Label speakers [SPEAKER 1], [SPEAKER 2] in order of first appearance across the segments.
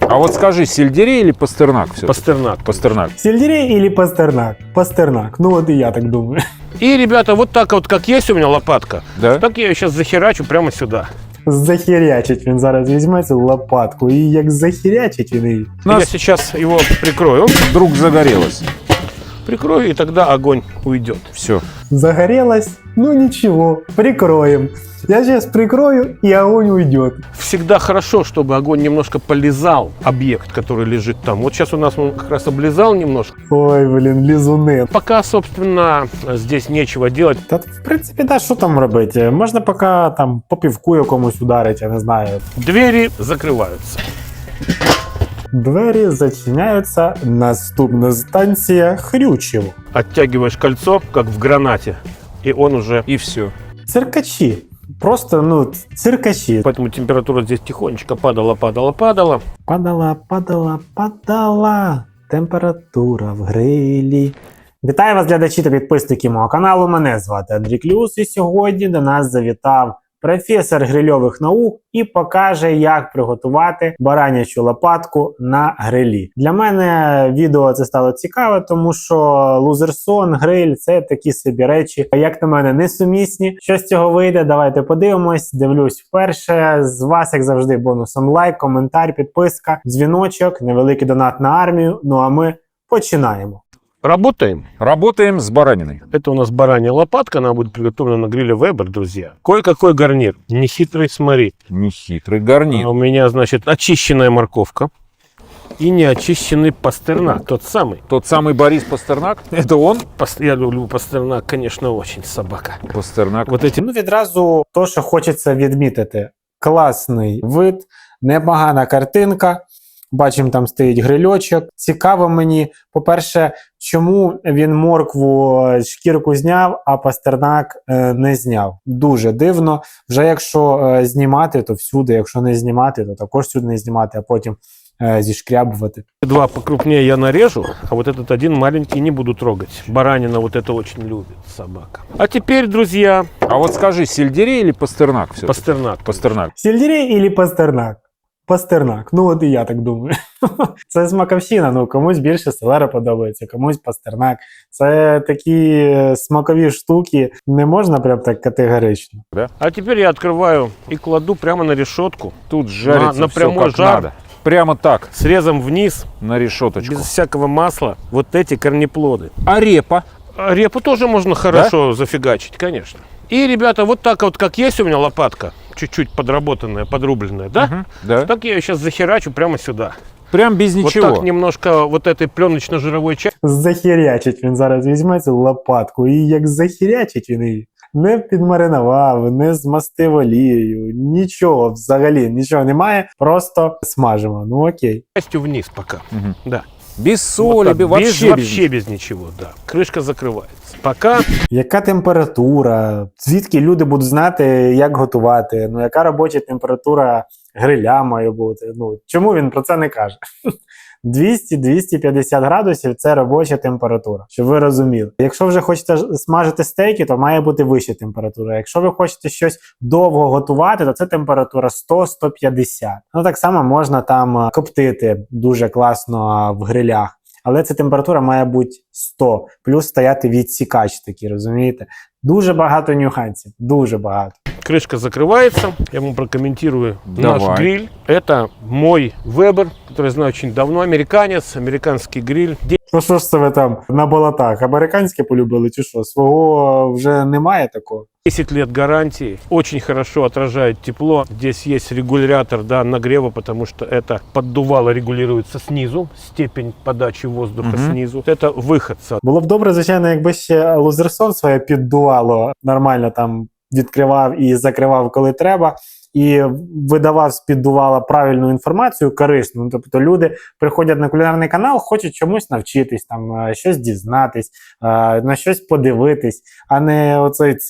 [SPEAKER 1] А вот скажи, сельдерей или пастернак?
[SPEAKER 2] Пастернак.
[SPEAKER 1] Пастернак.
[SPEAKER 3] Сельдерей или пастернак? Пастернак. Ну вот и я так думаю.
[SPEAKER 2] И, ребята, вот так вот, как есть у меня лопатка,
[SPEAKER 1] Да?
[SPEAKER 2] так я ее сейчас захерачу прямо сюда.
[SPEAKER 3] Захерячить він зараз візьме цю лопатку і як захерячить він її.
[SPEAKER 2] Я сейчас его прикрою.
[SPEAKER 1] Вдруг загорелось.
[SPEAKER 2] Прикрою, и тогда огонь уйдет.
[SPEAKER 1] Все.
[SPEAKER 3] Загорелась? Ну ничего, прикроем. Я сейчас прикрою, и огонь уйдет.
[SPEAKER 2] Всегда хорошо, чтобы огонь немножко полизал объект, который лежит там. Вот сейчас у нас он как раз облизал немножко.
[SPEAKER 3] Ой, блін, лізуни.
[SPEAKER 2] Пока, собственно, здесь нечего делать.
[SPEAKER 3] Та в принципі, да, що там робити? Можна поки там по півку якомусь ударити, я не знаю.
[SPEAKER 2] Двери закрываются.
[SPEAKER 3] Двері зачиняються. Наступна станція Хрючево.
[SPEAKER 2] Оттягиваешь кольцо, как в гранате, и он уже...
[SPEAKER 1] И все.
[SPEAKER 3] Циркачі. Просто, ну, циркачі.
[SPEAKER 2] Поэтому температура здесь тихонечко падала.
[SPEAKER 3] Падала температура в грилі. Вітаю вас, глядачі та підписники мого каналу. Мене звати Андрій Клюс, і сьогодні до нас завітав професор грильових наук і покаже, як приготувати баранячу лопатку на грилі. Для мене відео це стало цікаве, тому що лузерсон, гриль – це такі собі речі, як на мене, несумісні. Що з цього вийде, давайте подивимось. Дивлюсь вперше. З вас, як завжди, бонусом лайк, коментар, підписка, дзвіночок, невеликий донат на армію. Ну а ми починаємо.
[SPEAKER 2] Работаем.
[SPEAKER 1] Работаем с бараниной.
[SPEAKER 2] Это у нас баранья лопатка, она будет приготовлена на гриле Weber, друзья. Кое-какой гарнир. Нехитрый, смотри.
[SPEAKER 1] Нехитрый гарнир.
[SPEAKER 2] У меня, значит, очищенная морковка и неочищенный пастернак. Тот самый.
[SPEAKER 1] Тот самый Борис Пастернак? Это он?
[SPEAKER 2] Я люблю пастернак, конечно, очень, собака.
[SPEAKER 1] Пастернак.
[SPEAKER 2] Вот эти...
[SPEAKER 3] Ну, відразу то, що хочеться відмітити. Класний вид, непогана картинка. Бачимо, там стоїть грильочок. Цікаво мені, по-перше, чому він моркву шкірку зняв, а пастернак не зняв. Дуже дивно. Вже якщо знімати, то всюди. Якщо не знімати, то також всюди не знімати, а потім зішкрябувати.
[SPEAKER 2] Два покрупнее я нарежу, а вот этот один маленький не буду трогать. Баранина вот это очень любит собака. А теперь, друзья,
[SPEAKER 1] А вот скажи, сельдерей или пастернак?
[SPEAKER 2] пастернак.
[SPEAKER 1] Пастернак.
[SPEAKER 3] Сельдерей или пастернак? Пастернак. Ну от і я так думаю. Це смаковщина. Ну, комусь більше селера подобається, комусь пастернак. Це такі смакові штуки. Не можна прям так категорично.
[SPEAKER 1] Да?
[SPEAKER 2] А теперь я открываю и кладу прямо на решетку.
[SPEAKER 1] Тут жарится
[SPEAKER 2] на
[SPEAKER 1] всё
[SPEAKER 2] прямой
[SPEAKER 1] как
[SPEAKER 2] жар.
[SPEAKER 1] надо. Прямо так,
[SPEAKER 2] Срезом вниз,
[SPEAKER 1] на решеточку.
[SPEAKER 2] без всякого масла, вот эти корнеплоды.
[SPEAKER 1] А репа?
[SPEAKER 2] А репу тоже можно хорошо зафигачить, конечно. И, ребята, вот так вот, как есть у меня лопатка, чуть-чуть подработанная, подрубленная, да?
[SPEAKER 1] Мгм, да.
[SPEAKER 2] Так я ее сейчас захерачу прямо сюда.
[SPEAKER 1] Прям без ничего.
[SPEAKER 2] Вот так немножко вот этой пленочно-жировой части.
[SPEAKER 3] Захерячить він зараз візьме цю лопатку і як захерячить він її. Не підмаринував, не змастив олією, нічого взагалі, нічого немає, просто смажимо. Ну окей.
[SPEAKER 2] Частью вниз пока.
[SPEAKER 1] Мгм.
[SPEAKER 2] Да.
[SPEAKER 1] Без соли,
[SPEAKER 2] Вот так,
[SPEAKER 1] вообще,
[SPEAKER 2] вообще без ничего, да. Крышка закрывается. Пока
[SPEAKER 3] Яка температура? Звідки люди будуть знати, як готувати? Ну, яка робоча температура гриля має бути? Ну, чому він про це не каже? 200-250 градусів – це робоча температура, щоб ви розуміли. Якщо вже хочете смажити стейки, то має бути вища температура. Якщо ви хочете щось довго готувати, то це температура 100-150. Ну, так само можна там коптити дуже класно в грилях. Але ця температура має бути 100, плюс стояти відсікач такий, розумієте? Дуже багато нюансів, дуже багато.
[SPEAKER 2] крышка закрывается. Я вам прокомментирую
[SPEAKER 1] Давай.
[SPEAKER 2] наш гриль. Это мой Weber, который знаю очень давно. Американец, американский гриль.
[SPEAKER 3] Ну що ж це ви там на болотах? Американське полюбили чи що? Свого вже немає такого?
[SPEAKER 2] 10 лет гарантии, очень хорошо отражает тепло. Здесь есть регулятор, да, нагрева, потому что это поддувало регулируется снизу, степень подачи воздуха снизу. Это выход.
[SPEAKER 3] Було б добре, звичайно, якби ще лузерсон своє піддувало, нормально там відкривав і закривав, коли треба, і видавав з піддувала правильну інформацію, корисну. Ну, тобто люди приходять на кулінарний канал, хочуть чомусь навчитись, там, щось дізнатись, на щось подивитись, а не оцей цирк.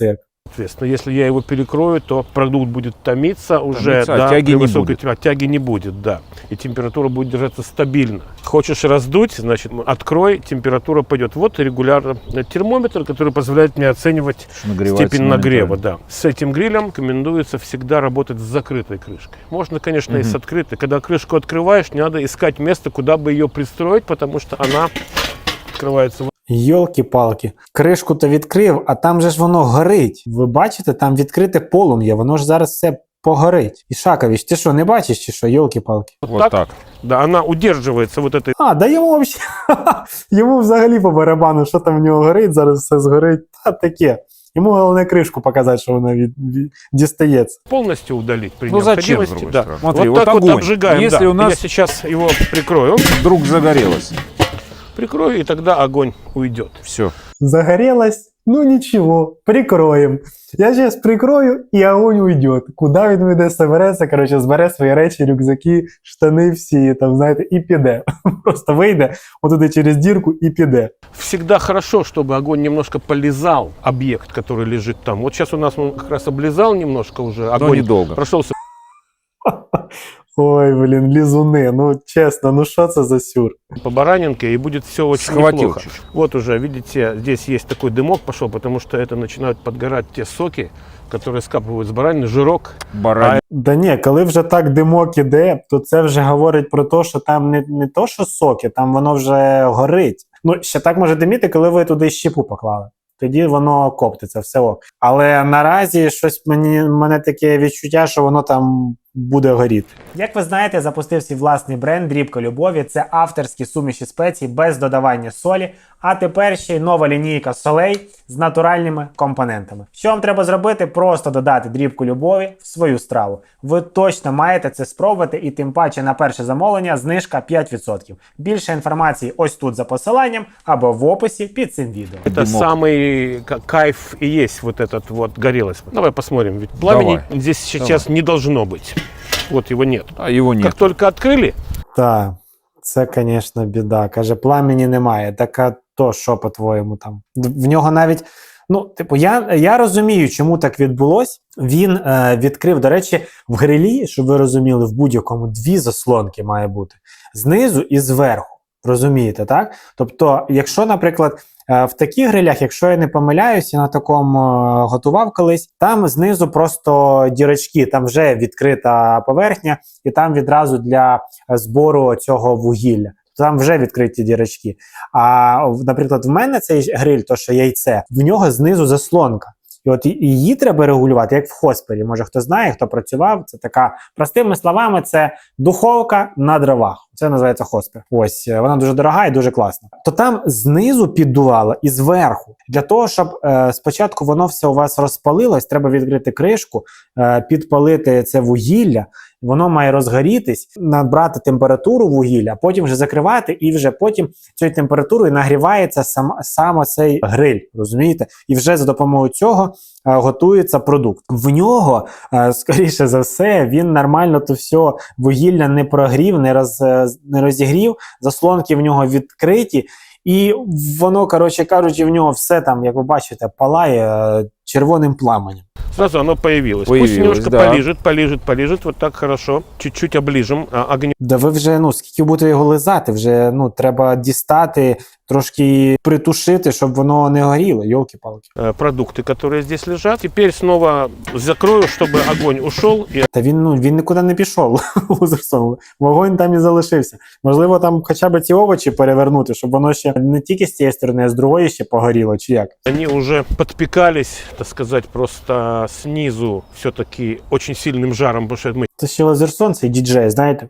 [SPEAKER 2] Соответственно, если я его перекрою, то продукт будет томиться уже,
[SPEAKER 1] Томиться, а
[SPEAKER 2] да,
[SPEAKER 1] тяги
[SPEAKER 2] при
[SPEAKER 1] не
[SPEAKER 2] высокой
[SPEAKER 1] будет.
[SPEAKER 2] тяги не будет, да. И температура будет держаться стабильно. Хочешь раздуть, значит, открой, температура пойдет. Вот регулярно термометр, который позволяет мне оценивать
[SPEAKER 1] Нагревается
[SPEAKER 2] степень нагрева.
[SPEAKER 1] моментально.
[SPEAKER 2] Да. С этим грилем рекомендуется всегда работать с закрытой крышкой. Можно, конечно, и с открытой. Когда крышку открываешь, не надо искать место, куда бы ее пристроить, потому что она открывается.
[SPEAKER 3] Йолки-палки. Кришку-то відкрив, а там же ж воно горить. Ви бачите, там відкрите полум'я, воно ж зараз все погорить. Ішакович, ти що, не бачиш чи що? Йолки-палки.
[SPEAKER 1] Вот так.
[SPEAKER 2] Да, она удерживается вот этой.
[SPEAKER 3] А, да йому взагалі, йому взагалі по барабану, що там в нього горить, зараз все згорить. Та таке. Йому головне кришку показати, що вона дістається.
[SPEAKER 2] Полностью удалить при
[SPEAKER 1] Ну, зачем, с
[SPEAKER 2] необходимости.
[SPEAKER 1] другой
[SPEAKER 2] Да.
[SPEAKER 1] стороны? Смотри,
[SPEAKER 2] вот
[SPEAKER 1] вот
[SPEAKER 2] так вот
[SPEAKER 1] огонь.
[SPEAKER 2] обжигаем.
[SPEAKER 1] Если
[SPEAKER 2] да.
[SPEAKER 1] у нас-
[SPEAKER 2] Я сейчас его прикрою.
[SPEAKER 1] Вдруг загорелось.
[SPEAKER 2] Прикрою, и тогда огонь уйдет.
[SPEAKER 1] Все.
[SPEAKER 3] Загорелось? Ну нічого, прикроємо. Я зараз прикрою і огонь уйде. Куди він уйде, собереться, коротше, збере свої речі, рюкзаки, штани всі, там, знаєте, і піде. Просто вийде отуди через дірку і піде.
[SPEAKER 2] Всегда хорошо, чтобы огонь немножко полизал объект, который лежит там. Вот сейчас у нас он как раз облизал немножко уже.
[SPEAKER 1] Но
[SPEAKER 2] Огонь
[SPEAKER 1] недолго.
[SPEAKER 2] прошелся.
[SPEAKER 3] Ой, блін, лізуни, ну чесно, ну що це за сюр?
[SPEAKER 2] По баранинке, и будет все очень
[SPEAKER 1] Схватил
[SPEAKER 2] неплохо.
[SPEAKER 1] чуть-чуть.
[SPEAKER 2] Вот уже, видите, здесь есть такой дымок пошел, потому что это начинают подгорать те соки, которые скапывают с баранины, жирок.
[SPEAKER 1] Барань.
[SPEAKER 3] Да ні, коли вже так димок іде, то це вже говорить про те, що там не то, що соки, там воно вже горить. Ну, ще так може диміти, коли ви туди щепу поклали. Тоді воно коптиться, все ок. Але наразі щось мене таке відчуття, що воно там буде горіти. Як ви знаєте, запустив свій власний бренд «Дрібка любові». Це авторські суміші спецій без додавання солі, а тепер ще й нова лінійка солей з натуральними компонентами. Що вам треба зробити? Просто додати дрібку любові в свою страву. Ви точно маєте це спробувати, і тим паче на перше замовлення знижка 5%. Більше інформації ось тут за посиланням або в описі під цим відео.
[SPEAKER 2] Это
[SPEAKER 1] Дымок.
[SPEAKER 2] самый кайф и есть вот этот вот горелость. Давай посмотрим, ведь пламени
[SPEAKER 1] Давай.
[SPEAKER 2] здесь сейчас не должно быть. Вот его нет.
[SPEAKER 1] А его нет.
[SPEAKER 2] Как только открыли,
[SPEAKER 3] Так, це, звісно, біда. Каже, пламені немає. Так а то що, по-твоєму, там? В нього навіть, ну, типу, я розумію, чому так відбулось. Він відкрив, до речі, в грилі, щоб ви розуміли, в будь-якому дві заслонки має бути. Знизу і зверху. Розумієте, так? Тобто, якщо, наприклад, в таких грилях, якщо я не помиляюся, на такому готував колись, там знизу просто дірочки, там вже відкрита поверхня, і там відразу для збору цього вугілля. Там вже відкриті дірочки. А, наприклад, в мене цей гриль, то що яйце, в нього знизу заслонка. І от її треба регулювати, як в хоспері. Може, хто знає, хто працював. Це така, простими словами, це духовка на дровах. Це називається хоспер. Ось, вона дуже дорога і дуже класна. То там знизу піддувало і зверху. Для того, щоб спочатку воно все у вас розпалилось, треба відкрити кришку, підпалити це вугілля, воно має розгорітись, набрати температуру вугілля, потім вже закривати, і вже потім цією температурою нагрівається саме цей гриль, розумієте? І вже за допомогою цього готується продукт. В нього, скоріше за все, він нормально то все вугілля не прогрів, не розігрів, заслонки в нього відкриті, і воно, коротше кажучи, в нього все там, як ви бачите, палає червоним пламенем.
[SPEAKER 2] сразу оно появилось.
[SPEAKER 1] Появилось,
[SPEAKER 2] Пусть немножко
[SPEAKER 1] да.
[SPEAKER 2] полежит, вот так хорошо. Чуть-чуть оближем огнем.
[SPEAKER 3] Да ви вже, ну, скільки будете його лизати, вже, ну, треба дістати, трошки притушити, щоб воно не горіло, йолки-палки.
[SPEAKER 2] Продукты, которые здесь лежат. Теперь снова закрою, чтобы огонь ушел. И
[SPEAKER 3] Та він нікуди не пішов, Лузерсон. Вогонь там і залишився. Можливо, там хоча б ці овочі перевернути, щоб воно ще не тільки з цієї сторони, а з другої ще погоріло, чи як?
[SPEAKER 2] они уже подпекались, так сказать, просто снизу все-таки очень сильным жаром, потому что мы
[SPEAKER 3] Це ще Лазерсон, цей діджей, знаєте?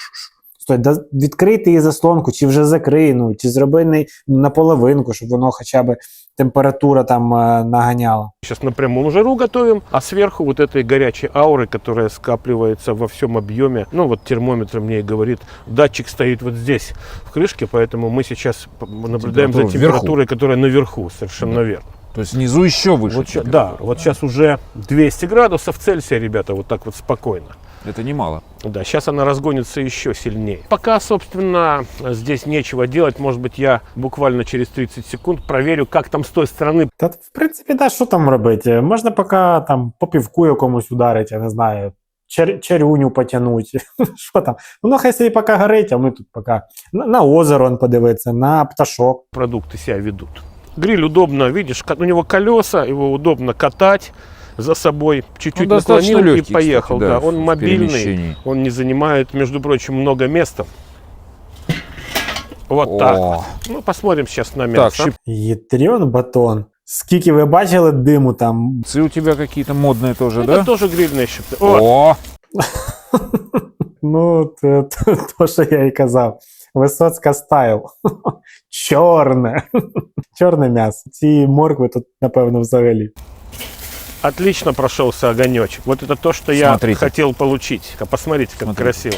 [SPEAKER 3] Стой, да відкрити її заслонку, чи вже закрий, ну, чи зроби наполовинку, щоб воно хоча б температура там наганяла.
[SPEAKER 2] сейчас на прямом жару готовим, а сверху вот этой горячей ауры, которая скапливается во всем объеме. Ну вот термометр мне и говорит, датчик стоит вот здесь в крышке, поэтому мы сейчас наблюдаем за
[SPEAKER 1] Температура
[SPEAKER 2] температурой, которая наверху, совершенно верно.
[SPEAKER 1] То есть внизу еще выше.
[SPEAKER 2] Вот, да, вот сейчас уже 200 градусов Цельсия, ребята, вот так вот спокойно.
[SPEAKER 4] Это немало.
[SPEAKER 2] Да, сейчас она разгонится еще сильнее. Пока, собственно, здесь нечего делать. Может быть, я буквально через 30 секунд проверю, как там с той стороны.
[SPEAKER 3] Та, в принципі, да, що там робити? Можна поки там по півку якомусь ударити, я не знаю, чарюню потягнути. Що там? Воно хай собі поки горить, а ми тут поки на озеро он подивиться, на пташок.
[SPEAKER 2] Продукты себя ведут. Гриль удобно, видишь, у него колеса, его удобно катать за собой. Чуть-чуть
[SPEAKER 4] достаточно
[SPEAKER 2] наклонил
[SPEAKER 4] легкий,
[SPEAKER 2] и поехал.
[SPEAKER 4] кстати, да,
[SPEAKER 2] Да, он
[SPEAKER 4] в
[SPEAKER 2] мобильный,
[SPEAKER 4] перемещении.
[SPEAKER 2] он не занимает, между прочим, много места. Вот так.
[SPEAKER 4] О,
[SPEAKER 2] Ну, посмотрим сейчас на
[SPEAKER 4] так,
[SPEAKER 2] мясо.
[SPEAKER 3] Єтріон батон. Скільки ви бачили диму там?
[SPEAKER 4] щипцы у тебя какие-то модные тоже,
[SPEAKER 2] Это
[SPEAKER 4] да?
[SPEAKER 2] тоже грильные щипцы. О,
[SPEAKER 4] О,
[SPEAKER 3] Ну, то, що я і казав. Висоцька стайл. Чорне. Чорне м'ясо. Ці моркви тут, напевно, взагалі.
[SPEAKER 2] отлично прошелся огонечек. Вот это то, что
[SPEAKER 4] Смотрите.
[SPEAKER 2] я хотел получить. Посмотрите, как
[SPEAKER 4] Смотрите.
[SPEAKER 2] красиво.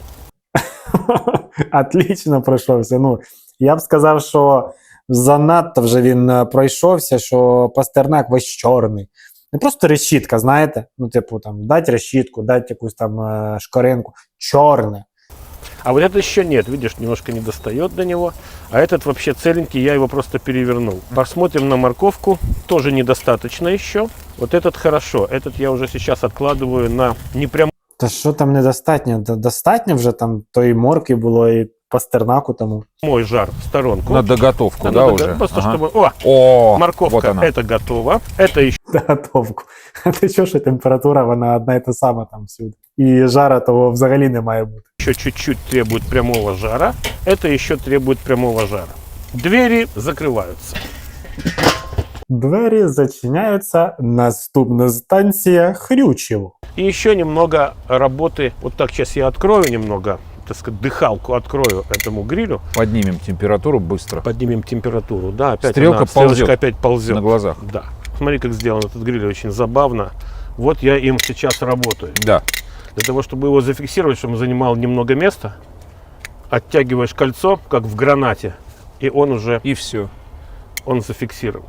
[SPEAKER 3] Отлично пройшовся. Ну, я б сказав, що занадто вже він пройшовся, що Пастернак весь чорний. Не просто решітка, знаєте? Ну, типу, там, дать решітку, дать якусь там шкоринку. Чорне.
[SPEAKER 2] А вот это еще нет, видишь, немножко не достает до него. А этот вообще целенький, я его просто перевернул. Посмотрим на морковку, тоже недостаточно еще. Вот этот хорошо, этот я уже сейчас откладываю на непрямой
[SPEAKER 3] Та що там недостатньо? Достатньо вже там тої морки було і Пастернаку тому.
[SPEAKER 2] жар в сторонку.
[SPEAKER 4] на доготовку, да,
[SPEAKER 2] надо
[SPEAKER 4] уже?
[SPEAKER 2] Просто
[SPEAKER 4] Ага.
[SPEAKER 2] чтобы... О,
[SPEAKER 4] О,
[SPEAKER 2] морковка,
[SPEAKER 4] вот она.
[SPEAKER 2] это готово. Это еще
[SPEAKER 3] Готовку. А ти що, що температура, вона одна і та сама там всюди. І жара того взагалі не має бути.
[SPEAKER 2] чуть-чуть требует прямого жара. Это еще требует прямого жара. Двери закрываются.
[SPEAKER 3] Двері зачиняються. Наступна станція Хрючево.
[SPEAKER 2] И еще немного работы. Вот так сейчас я открою немного, так сказать, дыхалку открою этому грилю.
[SPEAKER 4] Поднимем температуру быстро.
[SPEAKER 2] Поднимем температуру. Да, опять
[SPEAKER 4] Стрелка
[SPEAKER 2] стрелочка
[SPEAKER 4] ползет
[SPEAKER 2] опять ползет.
[SPEAKER 4] на глазах.
[SPEAKER 2] Да. Смотри, как сделан этот гриль, очень забавно. Вот я им сейчас работаю.
[SPEAKER 4] Да.
[SPEAKER 2] Для того, чтобы его зафиксировать, чтобы он занимал немного места, оттягиваешь кольцо, как в гранате, и он уже
[SPEAKER 4] И все.
[SPEAKER 2] он зафиксирован.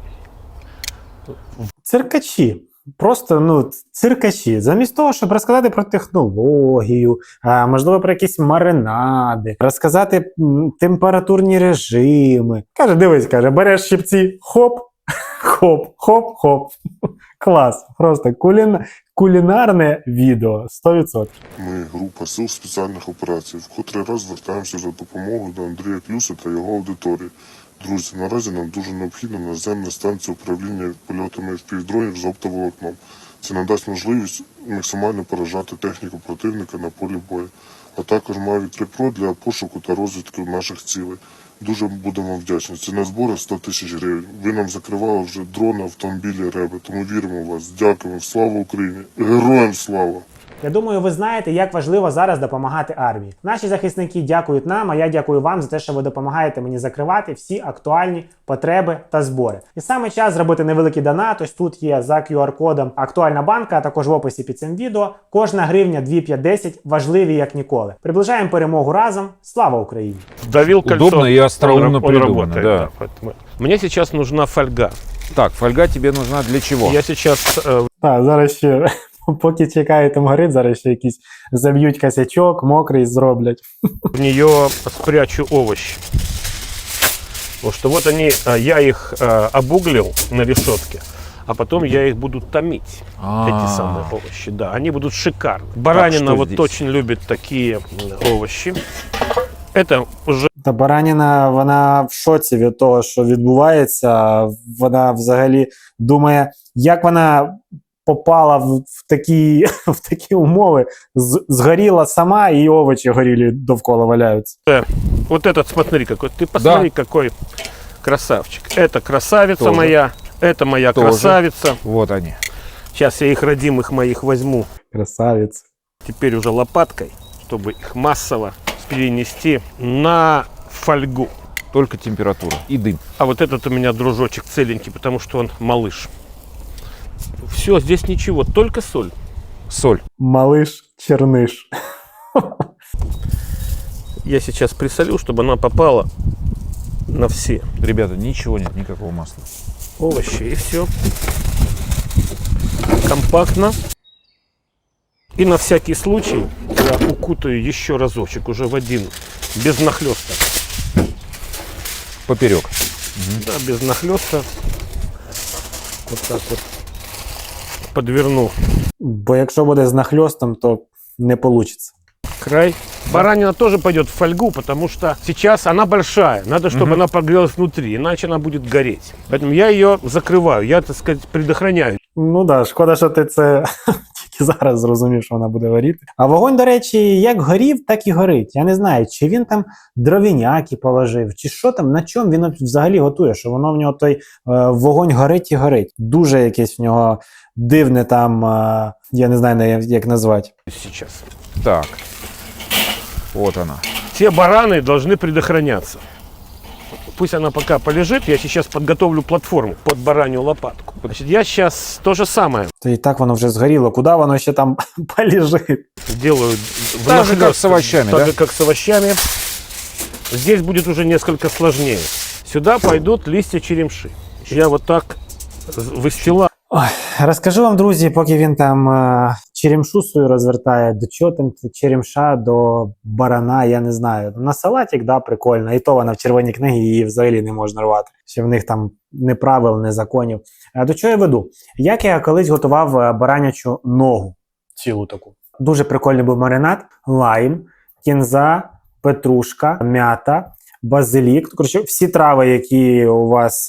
[SPEAKER 3] Циркачі. Просто, ну, циркачі. Замість того, щоб розказати про технологію, можливо, про якісь маринади, розказати температурні режими. Каже, дивись, каже, береш щипці, хоп, хоп, хоп, хоп. Клас. Просто кулінарне відео. 100%.
[SPEAKER 5] Ми, група сил спеціальних операцій, в котрий раз звертаємося за допомогою до Андрія Клюса та його аудиторії. Друзі, наразі нам дуже необхідна наземна станція управління польотами FPV-дронів з оптоволокном. Це надасть можливість максимально поражати техніку противника на полі бою, а також Mavic 3 Pro для пошуку та розвідки наших цілей. Дуже будемо вдячні. Ціна збору 100 тисяч гривень. Ви нам закривали вже дрони, автомобілі, реби, тому віримо в вас. Дякуємо. Слава Україні! Героям слава!
[SPEAKER 3] Я думаю, ви знаєте, як важливо зараз допомагати армії. Наші захисники дякують нам, а я дякую вам за те, що ви допомагаєте мені закривати всі актуальні потреби та збори. І саме час зробити невеликий донат. Ось тут є за QR-кодом актуальна банка, а також в описі під цим відео. Кожна гривня 2,5-10 важливі як ніколи. Приближаємо перемогу разом. Слава Україні!
[SPEAKER 2] Давил кольцо.
[SPEAKER 4] Удобно и остроумно
[SPEAKER 2] он
[SPEAKER 4] придумано,
[SPEAKER 2] работает,
[SPEAKER 4] да.
[SPEAKER 2] поэтому мне сейчас нужна фольга.
[SPEAKER 4] Так, фольга тебе нужна для чего?
[SPEAKER 2] Я сейчас
[SPEAKER 3] Так, зараз ще, поки чекає там горить, зараз ще якісь заб'ють косячок, мокрий зроблять.
[SPEAKER 2] в нее спрячу овощи. Потому что вот они, я их обуглил на решетке, а потом я их буду томить. Эти самые овощи, да, они будут шикарны. Баранина
[SPEAKER 4] что
[SPEAKER 2] вот
[SPEAKER 4] здесь?
[SPEAKER 2] очень любит такие овощи. Это уже
[SPEAKER 3] Та бараніна, вона в шоці від того, що відбувається. Вона взагалі думає, як вона попала в такі умови. Згоріла сама, і овочі горілі довкола валяються.
[SPEAKER 2] вот этот, смотри какой, ты посмотри, какой красавчик. Это красавица
[SPEAKER 4] Тоже.
[SPEAKER 2] моя, это моя
[SPEAKER 4] Тоже.
[SPEAKER 2] красавица.
[SPEAKER 4] Вот они.
[SPEAKER 2] Сейчас я их родимых моих возьму
[SPEAKER 3] Красавець.
[SPEAKER 2] теперь уже лопаткой, чтобы их массово перенести на фольгу.
[SPEAKER 4] Только температура и дым.
[SPEAKER 2] А вот этот у меня дружочек целенький, потому что он малыш. Все, здесь ничего, только соль.
[SPEAKER 4] Соль.
[SPEAKER 3] Малиш черниш.
[SPEAKER 2] Я сейчас присолю, чтобы она попала на все
[SPEAKER 4] Ребята, ничего нет, никакого масла.
[SPEAKER 2] овощи. И все. Компактно. И на всякий случай я укутаю еще разочек, уже в один, без нахлеста.
[SPEAKER 4] Поперек.
[SPEAKER 2] Да, без нахлеста. Вот так вот подверну
[SPEAKER 3] Бо якщо буде з нахльостом, то не вийде.
[SPEAKER 2] край. Баранина тоже пойдет в фольгу, потому что сейчас она большая. Надо, чтобы она прогрелась внутри, иначе она будет гореть. Поэтому я ее закрываю, я, так сказать, предохраняю.
[SPEAKER 3] Ну так, да, шкода, що ти це тільки зараз зрозумів, що вона буде горіти. А вогонь, до речі, як горів, так і горить. Я не знаю, чи він там дровіняки положив, чи що там, на чому він взагалі готує, що воно в нього той вогонь горить і горить. Дуже якесь в нього дивне там, я не знаю, як назвати.
[SPEAKER 2] Сейчас.
[SPEAKER 4] Так. Вот она.
[SPEAKER 2] Те бараны должны предохраняться. Пусть она пока полежит, я сейчас подготовлю платформу под баранью лопатку. Значит, я сейчас то же самое
[SPEAKER 3] То і так воно вже згоріло, куди воно ще там полежить?
[SPEAKER 2] делаю.
[SPEAKER 4] Так же, как с овощами,
[SPEAKER 2] так
[SPEAKER 4] да?
[SPEAKER 2] же, как с овощами. Здесь будет уже несколько сложнее. Сюда пойдут листья черемши. Я вот так выстилаю.
[SPEAKER 3] Ой, розкажу вам, друзі, поки він там черемшу свою розвертає, до чого там черемша до барана, я не знаю. На салатик, да, прикольно, і то вона в червоній книгі, її взагалі не можна рвати. Ще в них там не правил, не законів. До чого я веду? Як я колись готував баранячу ногу, цілу таку. Дуже прикольний був маринад, лайм, кінза, петрушка, м'ята, базилік. Коротше, всі трави, які у вас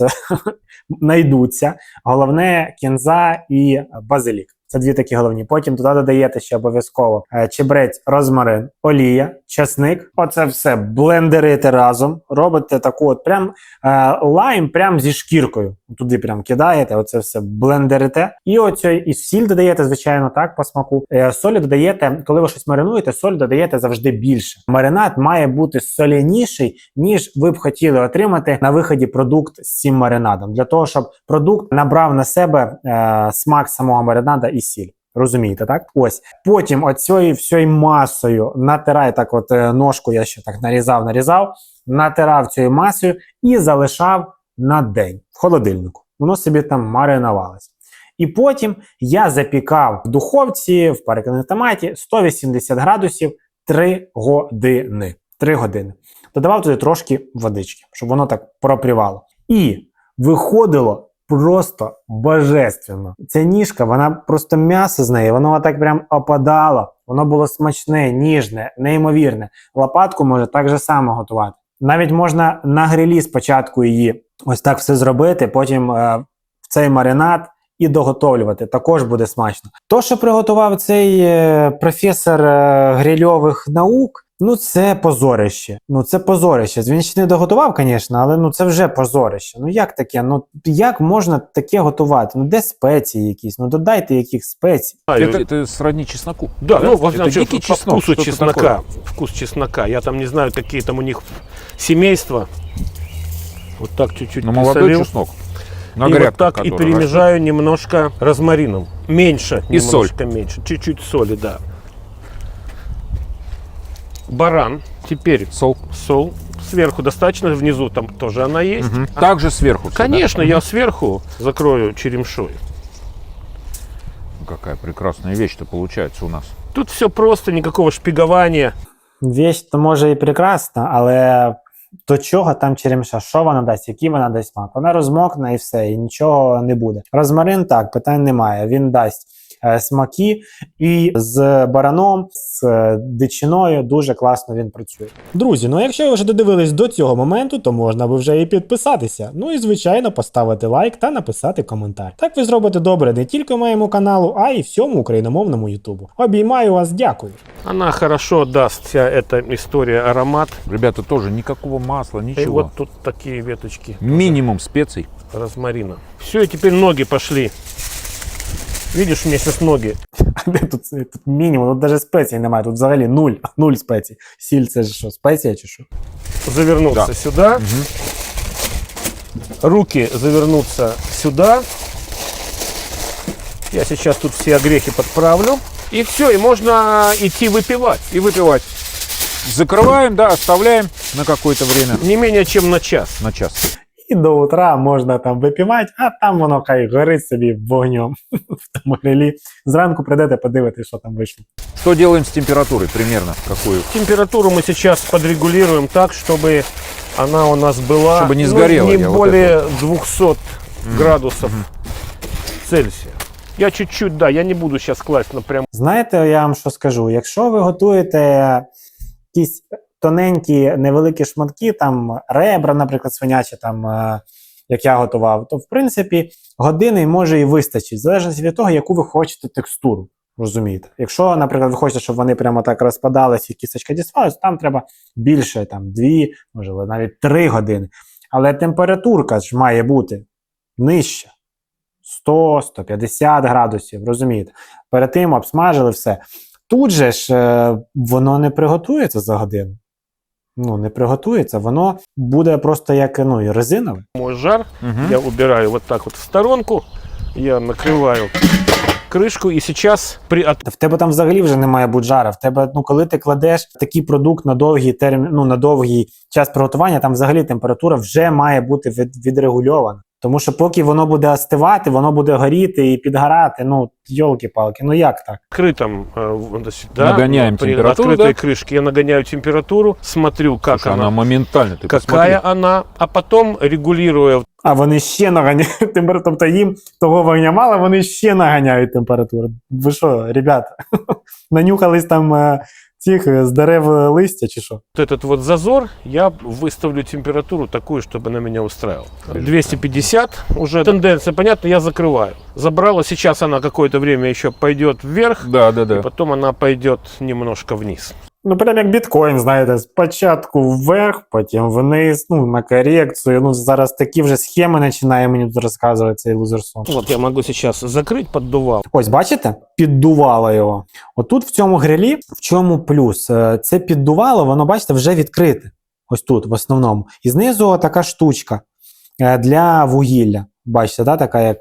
[SPEAKER 3] знайдуться. Головне кінза і базилік. Це дві такі головні. Потім туди додаєте ще обов'язково чебрець, розмарин, олія, часник. Оце все блендерите разом. Робите таку от прям лайм прям зі шкіркою. Туди прям кидаєте, оце все блендерите. І оцей і сіль додаєте, звичайно, так, по смаку. Солі додаєте, коли ви щось маринуєте, соль додаєте завжди більше. Маринад має бути соляніший, ніж ви б хотіли отримати на виході продукт з цим маринадом. Для того, щоб продукт набрав на себе смак самого маринада і сіль. Розумієте, так? Ось. Потім оцією всією масою натирай так от ножку, я ще так нарізав, натирав цією масою і залишав на день в холодильнику. Воно собі там маринувалося. І потім я запікав в духовці, в перекладній томаті 180 градусів 3 години. 3 години. Додавав туди трошки водички, щоб воно так пропрівало. І виходило просто божественно. Ця ніжка, вона просто м'ясо з неї, воно так прям опадало. Воно було смачне, ніжне, неймовірне. Лопатку може так же само готувати. Навіть можна на грилі спочатку її ось так все зробити, потім в цей маринад і доготовлювати. Також буде смачно. То, що приготував цей професор грильових наук, ну це позорище. Ну це позорище. Він ще не доготував, звісно, але ну це вже позорище. Ну як таке? Ну як можна таке готувати? Ну де спеції якісь? Ну додайте яких спецій.
[SPEAKER 4] Это сродни чесноку.
[SPEAKER 2] Да, ну, во
[SPEAKER 4] это
[SPEAKER 2] всяком
[SPEAKER 4] дикий
[SPEAKER 2] случае, по
[SPEAKER 4] чеснок.
[SPEAKER 2] вкусу
[SPEAKER 4] что-то
[SPEAKER 2] чеснока.
[SPEAKER 4] такое.
[SPEAKER 2] Вкус чеснока. Я там не знаю, какие там у них семейства. Вот так чуть-чуть
[SPEAKER 4] Но молодой
[SPEAKER 2] присолил.
[SPEAKER 4] чеснок. На
[SPEAKER 2] И
[SPEAKER 4] грядку,
[SPEAKER 2] вот так и
[SPEAKER 4] которая
[SPEAKER 2] перемежаю немножко розмарином. Меньше,
[SPEAKER 4] И
[SPEAKER 2] немножко меньше. Чуть-чуть соли, да. Баран. Теперь
[SPEAKER 4] Сол.
[SPEAKER 2] сол. Сверху достаточно, внизу там тоже она есть.
[SPEAKER 4] Мгм. Также сверху. всегда.
[SPEAKER 2] Конечно, я сверху закрою черемшой.
[SPEAKER 4] Какая прекрасная вещь-то получается у нас.
[SPEAKER 2] Тут все просто, никакого шпигования.
[SPEAKER 3] Вещь то може і прекрасна, але до чого там черемша? Що вона дасть? Який вона дасть смак? Вона розмокне і все, і нічого не буде. Розмарин так, питань немає. Він дасть смаки, і з бараном, з дичиною дуже класно він працює. Друзі, ну якщо ви вже додивились до цього моменту, то можна би вже і підписатися. Ну і звичайно поставити лайк та написати коментар. Так ви зробите добре не тільки моєму каналу, а й всьому україномовному ютубу. Обіймаю вас, дякую.
[SPEAKER 2] Она хорошо даст, вся эта история, аромат.
[SPEAKER 4] Ребята, тоже никакого масла,
[SPEAKER 2] И
[SPEAKER 4] ничего.
[SPEAKER 2] вот тут такие веточки
[SPEAKER 4] Минимум специй.
[SPEAKER 2] розмарина. Все, и теперь ноги пошли. Видишь, вместе с ноги.
[SPEAKER 3] Тут мінімум, тут навіть спецій немає, тут взагалі нуль спецій. Сіль це ж що, спеція чи що?
[SPEAKER 2] Завернуться
[SPEAKER 4] Да.
[SPEAKER 2] сюда. Руки завернуться сюда. Я сейчас тут все огрехи подправлю. И все, и можно идти выпивать.
[SPEAKER 4] И выпивать. Закрываем, да, оставляем на какое-то время.
[SPEAKER 2] Не менее чем на час.
[SPEAKER 4] На час.
[SPEAKER 3] І до утра можна там випівати, а там воно хай горить собі вогнем в тому грилі. Зранку прийдете, подивитесь, що там вийшло.
[SPEAKER 4] Что делаем с температурой примерно? Какую?
[SPEAKER 2] Температуру мы сейчас подрегулируем так, чтобы она у нас была
[SPEAKER 4] Чтобы не сгорела,
[SPEAKER 2] не
[SPEAKER 4] я вот
[SPEAKER 2] более 200 градусов Цельсия. Я чуть-чуть, да, я не буду сейчас класть напрямую.
[SPEAKER 3] Знаєте, я вам що скажу? Якщо ви готуєте якісь тоненькі, невеликі шматки, там ребра, наприклад, свинячі, там, як я готував, то в принципі години може і вистачить, в залежності від того, яку ви хочете текстуру. Розумієте? Якщо, наприклад, ви хочете, щоб вони прямо так розпадались і кісточка діставалась, то там треба більше, там 2, можливо, навіть 3 години. Але температурка ж має бути нижча. 100-150 градусів, розумієте? Перед тим обсмажили все. Тут же ж воно не приготується за годину. Ну, не приготується, воно буде просто як, ну, і резинове.
[SPEAKER 2] Мой жар я убираю вот так вот в сторонку, я накрываю крышку и сейчас
[SPEAKER 3] Та в тебе там взагалі вже не має бути жара. В тебе, ну, коли ти кладеш такий продукт на довгий термін, ну, на довгий час приготування, там взагалі температура вже має бути відрегульована. Тому що поки воно буде остивати, воно буде горіти і підгорати. Ну, йолки-палки, ну як так?
[SPEAKER 2] открытом,
[SPEAKER 4] Нагоняем
[SPEAKER 2] при
[SPEAKER 4] температуру,
[SPEAKER 2] открытой
[SPEAKER 4] да?
[SPEAKER 2] крышке я нагоняю температуру, смотрю, как
[SPEAKER 4] Слушай, она
[SPEAKER 2] она,
[SPEAKER 4] моментально, ты
[SPEAKER 2] какая
[SPEAKER 4] посмотри.
[SPEAKER 2] она, а потом регулируя
[SPEAKER 3] А вони ще наганяють температуру. Тобто їм того вогня мало, вони ще наганяють температуру. Ви що, ребята, нанюхались там цих з дерев листя чи що?
[SPEAKER 2] вот этот вот зазор, я выставлю температуру такую, чтобы она меня устраивала. 250 уже тенденция, понятно, я закрываю. Забрала, сейчас она какое-то время еще пойдет вверх,
[SPEAKER 4] Да, да,
[SPEAKER 2] и
[SPEAKER 4] да.
[SPEAKER 2] потом она пойдет немножко вниз.
[SPEAKER 3] Ну, прям як біткоін, знаєте, спочатку вверх, потім вниз, ну, на корекцію. Ну, зараз такі вже схеми починає мені тут розказувати цей лузерсон.
[SPEAKER 2] Вот я могу сейчас закрыть поддувал.
[SPEAKER 3] Ось, бачите? Піддувало його. Отут в цьому грилі, в чому плюс? Це піддувало, воно, бачите, вже відкрите. Ось тут, в основному. І знизу така штучка для вугілля. Бачите, да? Така як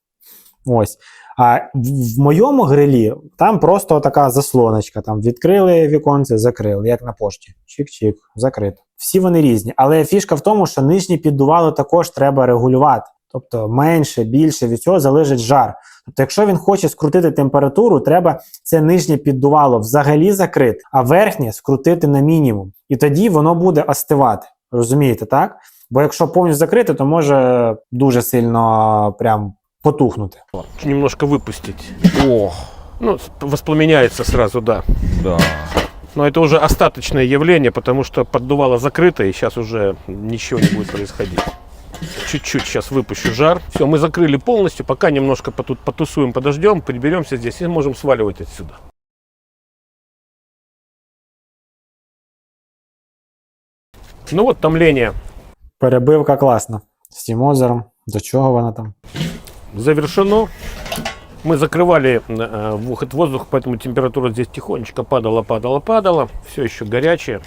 [SPEAKER 3] ось. А в моєму грилі там просто така заслоночка. Там відкрили віконце, закрили, як на пошті. Чик-чик, закрито. Всі вони різні. Але фішка в тому, що нижнє піддувало також треба регулювати. Тобто менше, більше, від цього залежить жар. Тобто, якщо він хоче скрутити температуру, треба це нижнє піддувало взагалі закрити, а верхнє скрутити на мінімум. І тоді воно буде остивати. Розумієте, так? Бо якщо повністю закрити, то може дуже сильно прям потухнути.
[SPEAKER 2] Немножко выпустить.
[SPEAKER 4] Ох,
[SPEAKER 2] Ну, воспламеняется сразу, да.
[SPEAKER 4] да.
[SPEAKER 2] Но это уже остаточное явление, потому что поддувало закрыто, и сейчас уже ничего не будет происходить. Чуть-чуть сейчас выпущу жар. Все, мы закрыли полностью, пока немножко тут потусуем, подождем, приберемся здесь и можем сваливать отсюда. Ну вот томление
[SPEAKER 3] Перебивка класна. З цим озером. До чого вона там?
[SPEAKER 2] завершено. Мы закрывали выход воздуха, поэтому температура здесь тихонечко падала. Все еще горячее.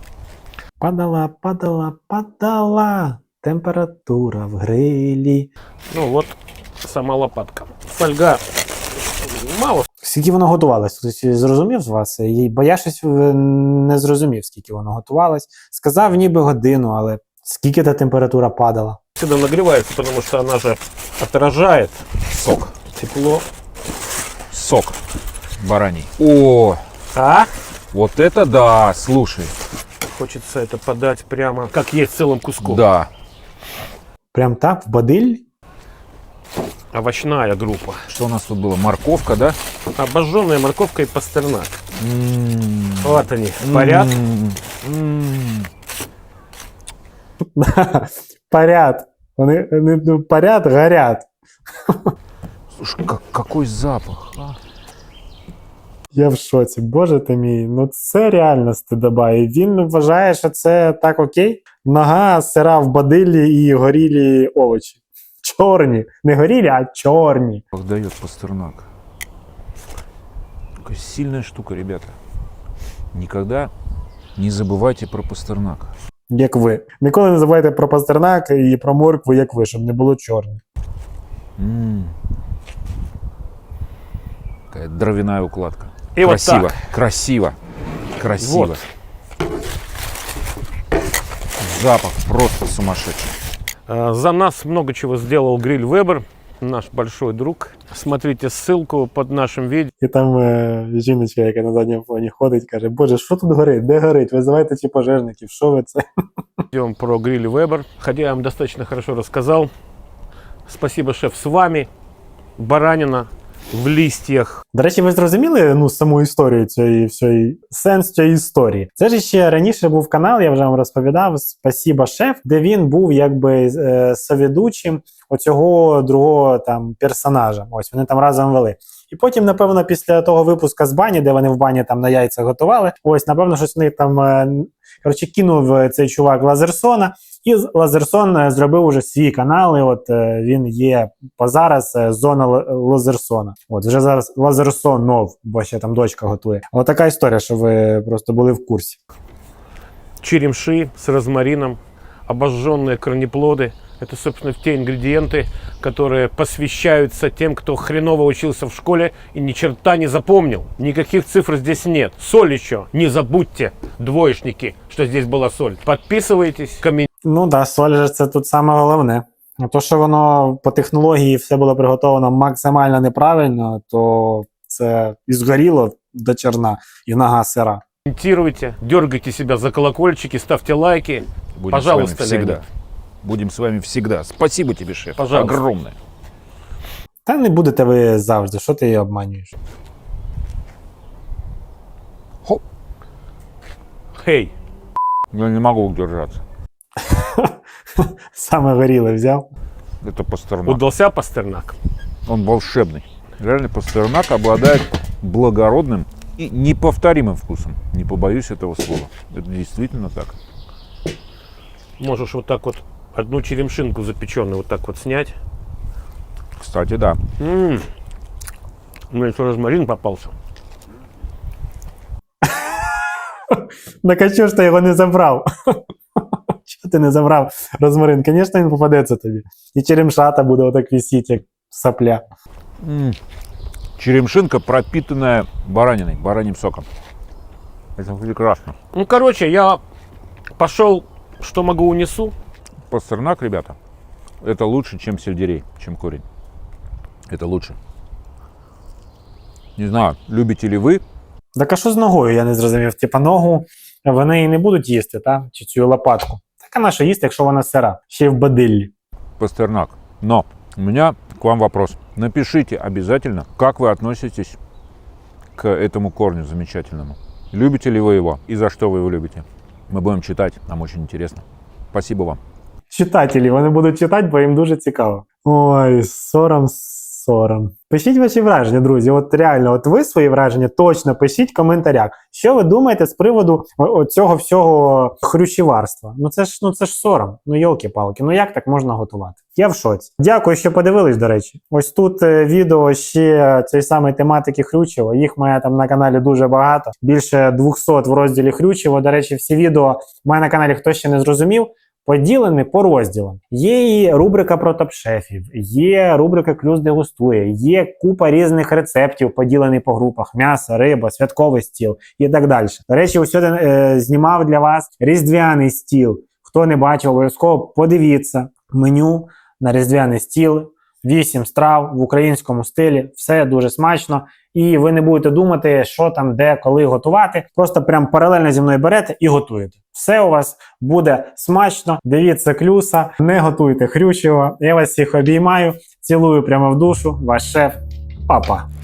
[SPEAKER 3] Падала. Температура в грилі.
[SPEAKER 2] Ну вот сама лопатка. Фольга мало.
[SPEAKER 3] Скільки воно готувалось? Хтось зрозумів з вас? Бо я щось не зрозумів, скільки воно готувалось. Сказав ніби годину, але скільки та температура падала?
[SPEAKER 2] Всегда нагревается, потому что она же отражает
[SPEAKER 4] Сок.
[SPEAKER 2] тепло.
[SPEAKER 4] Сок бараний. О,
[SPEAKER 2] А?
[SPEAKER 4] вот это да, слушай.
[SPEAKER 2] Хочется это подать прямо, как есть целым куском.
[SPEAKER 4] Да.
[SPEAKER 3] Прям так, в бадиль?
[SPEAKER 2] Овощная группа.
[SPEAKER 4] Что у нас тут было? Морковка, да?
[SPEAKER 2] Обожженная морковка и пастернак.
[SPEAKER 4] М.
[SPEAKER 2] Вот они, парят.
[SPEAKER 4] М.
[SPEAKER 3] Парят. Вони не парят, горять.
[SPEAKER 4] Слушай, какой запах. А?
[SPEAKER 3] Я в шоці. Боже ти мій, ну це реально стидоба. І він вважає, що це так окей. Нога сира в бадилі і горілі овочі. Чорні. Не горілі, а чорні.
[SPEAKER 4] Как дает пастернак. Какая сильная штука, ребята. Никогда не забывайте про пастернак.
[SPEAKER 3] Як ви. Ніколи не забувайте про пастернак і про моркву, як ви, щоб не було чорних.
[SPEAKER 4] М. Какая дровяная укладка.
[SPEAKER 2] И вот
[SPEAKER 4] Красиво,
[SPEAKER 2] так.
[SPEAKER 4] красиво, красиво.
[SPEAKER 2] Вот.
[SPEAKER 4] Запах просто сумасшедший.
[SPEAKER 2] За нас много чего сделал Гриль Вебер, наш большой друг. Смотрите ссылку под нашим видео.
[SPEAKER 3] І там жіночка, яка на задньому фоні ходить, каже: Боже, що тут горить? Де горить? Визивайте ці пожежників, що ви це?
[SPEAKER 2] Идем про Гриль Вебер. Хотя я вам достаточно хорошо рассказал. Спасибо, шеф, с вами. Баранина в листьях.
[SPEAKER 3] До речі, ви зрозуміли саму історію цієї сенс цієї історії? Це ж ще раніше був канал, я вже вам розповідав, «Спасибо, шеф», де він був якби соведучим оцього другого там персонажа. Ось вони там разом вели. І потім, напевно, після того випуска з бані, де вони в бані там на яйцях готували, ось, напевно, щось вони там, коротше, кинув цей чувак Лазерсона, і Лазерсон зробив уже свій канал, і от він є по зараз зона Лазерсона. От, вже зараз Лазерсонов, бо ще там дочка готує. От така історія, що ви просто були в курсі.
[SPEAKER 2] Черемши с розмарином, обожженные корнеплоды. Это, собственно, те ингредиенты, которые посвящаются тем, кто хреново учился в школе и ни черта не запомнил. Никаких цифр здесь нет. Соль еще. Не забудьте, двоечники, что здесь была соль. Подписывайтесь, комментируйте.
[SPEAKER 3] Ну да, соль же це тут саме головне. А то, що воно по технології все було приготовлено максимально неправильно, то це і згоріло до черна, і нога сира.
[SPEAKER 2] Комментируйте, дергайте себя за колокольчики, ставьте лайки.
[SPEAKER 4] Будем
[SPEAKER 2] Пожалуйста,
[SPEAKER 4] с вами всегда.
[SPEAKER 2] Леонид.
[SPEAKER 4] Будем с вами всегда. Спасибо тебе, шеф.
[SPEAKER 2] Пожалуйста.
[SPEAKER 4] Огромное.
[SPEAKER 3] Та не будете ви завжди, що ти її обманюєш?
[SPEAKER 2] Хей.
[SPEAKER 4] Я не могу удержаться.
[SPEAKER 3] Саме горіле взяв.
[SPEAKER 4] Это Пастернак.
[SPEAKER 2] Удался Пастернак?
[SPEAKER 4] Он волшебный. Реально Пастернак обладает благородным и неповторимым вкусом. Не побоюсь этого слова. Это действительно так.
[SPEAKER 2] Можешь вот так вот одну черемшинку запеченную вот так вот снять.
[SPEAKER 4] Кстати, да.
[SPEAKER 2] У меня еще розмарин попался.
[SPEAKER 3] Так а чого ж ти його не забрав? Чого ти не забрав розмарин? Звісно, він попадеться тобі. І черемшата буде отак висіти, як сопля.
[SPEAKER 4] Черемшинка, пропитанная бараниной, бараньим соком. Это прекрасно.
[SPEAKER 2] Ну, короче, я пошел, что могу, унесу.
[SPEAKER 4] Пастернак, ребята, это лучше, чем сельдерей, чем корень. Это лучше. Не знаю, любите ли вы?
[SPEAKER 3] Так а що з ногою, я не зрозумів. Типа ногу вони і не будуть їсти, та? Чи цю лопатку. Так а на що їсти, якщо вона сира? Ще й в бадиллі.
[SPEAKER 4] Пастернак. Но у меня к вам вопрос. Напишите обязательно, как вы относитесь к этому корню замечательному. Любите ли вы его и за что вы его любите? Мы будем читать, нам очень интересно. Спасибо вам.
[SPEAKER 3] Читателі, вони будуть читати, бо їм дуже цікаво. Ой, сором. Пишіть ваші враження, друзі. От реально, от ви свої враження точно пишіть в коментарях. Що ви думаєте з приводу цього всього хрущіварства? Ну це ж сором. Ну йолки-палки, ну як так можна готувати? Я в шоці. Дякую, що подивились, до речі. Ось тут відео ще цієї самої тематики хрючево. Їх має там на каналі дуже багато. Більше 200 в розділі хрючево. До речі, всі відео в мене на каналі, хто ще не зрозумів, поділені по розділам. Є і рубрика про топ-шефів, є рубрика «Клюс дегустує», є купа різних рецептів, поділені по групах: м'ясо, риба, святковий стіл і так далі. До речі, ось сьогодні знімав для вас різдвяний стіл. Хто не бачив, обов'язково подивіться меню на різдвяний стіл. 8 страв в українському стилі, все дуже смачно. І ви не будете думати, що там, де, коли готувати. Просто прям паралельно зі мною берете і готуєте. Все у вас буде смачно. Дивіться Клюса, не готуйте хрючево. Я вас всіх обіймаю, цілую прямо в душу. Ваш шеф. Па-па.